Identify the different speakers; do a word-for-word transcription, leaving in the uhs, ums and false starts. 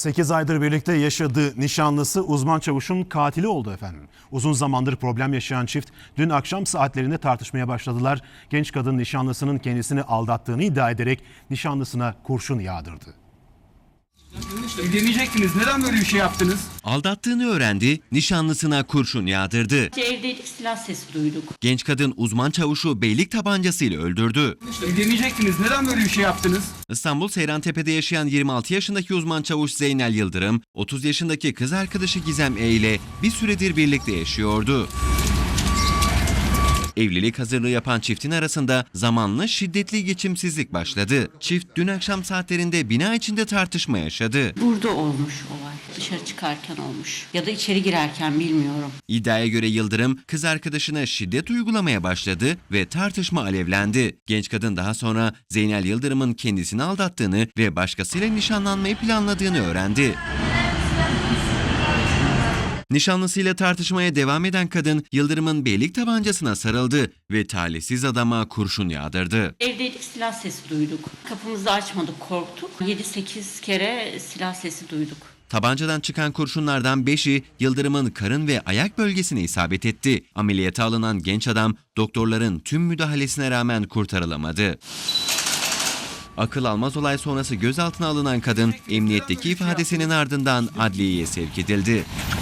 Speaker 1: sekiz aydır birlikte yaşadığı nişanlısı uzman çavuşun katili oldu efendim. Uzun zamandır problem yaşayan çift dün akşam saatlerinde tartışmaya başladılar. Genç kadın nişanlısının kendisini aldattığını iddia ederek nişanlısına kurşun yağdırdı.
Speaker 2: Evlenecektiniz. Neden böyle bir şey yaptınız?
Speaker 3: Aldattığını öğrendi, nişanlısına kurşun yağdırdı.
Speaker 4: Evdeydik, silah sesi duyduk.
Speaker 3: Genç kadın uzman çavuşu beylik tabancasıyla öldürdü.
Speaker 2: Evlenecektiniz. Neden böyle bir şey yaptınız?
Speaker 3: İstanbul Seyrantepe'de yaşayan yirmi altı yaşındaki uzman çavuş Zeynel Yıldırım, otuz yaşındaki kız arkadaşı Gizem E ile bir süredir birlikte yaşıyordu. Evlilik hazırlığı yapan çiftin arasında zamanla şiddetli geçimsizlik başladı. Çift dün akşam saatlerinde bina içinde tartışma yaşadı.
Speaker 4: Burada olmuş olay. Dışarı çıkarken olmuş. Ya da içeri girerken, bilmiyorum.
Speaker 3: İddiaya göre Yıldırım kız arkadaşına şiddet uygulamaya başladı ve tartışma alevlendi. Genç kadın daha sonra Zeynel Yıldırım'ın kendisini aldattığını ve başkasıyla nişanlanmayı planladığını öğrendi. Nişanlısıyla tartışmaya devam eden kadın Yıldırım'ın beylik tabancasına sarıldı ve talihsiz adama kurşun yağdırdı.
Speaker 4: Evdeydik, silah sesi duyduk. Kapımızı açmadık, korktuk. yedi sekiz kere silah sesi duyduk.
Speaker 3: Tabancadan çıkan kurşunlardan beşi Yıldırım'ın karın ve ayak bölgesine isabet etti. Ameliyata alınan genç adam doktorların tüm müdahalesine rağmen kurtarılamadı. Akıl almaz olay sonrası gözaltına alınan kadın emniyetteki ifadesinin ardından adliyeye sevk edildi.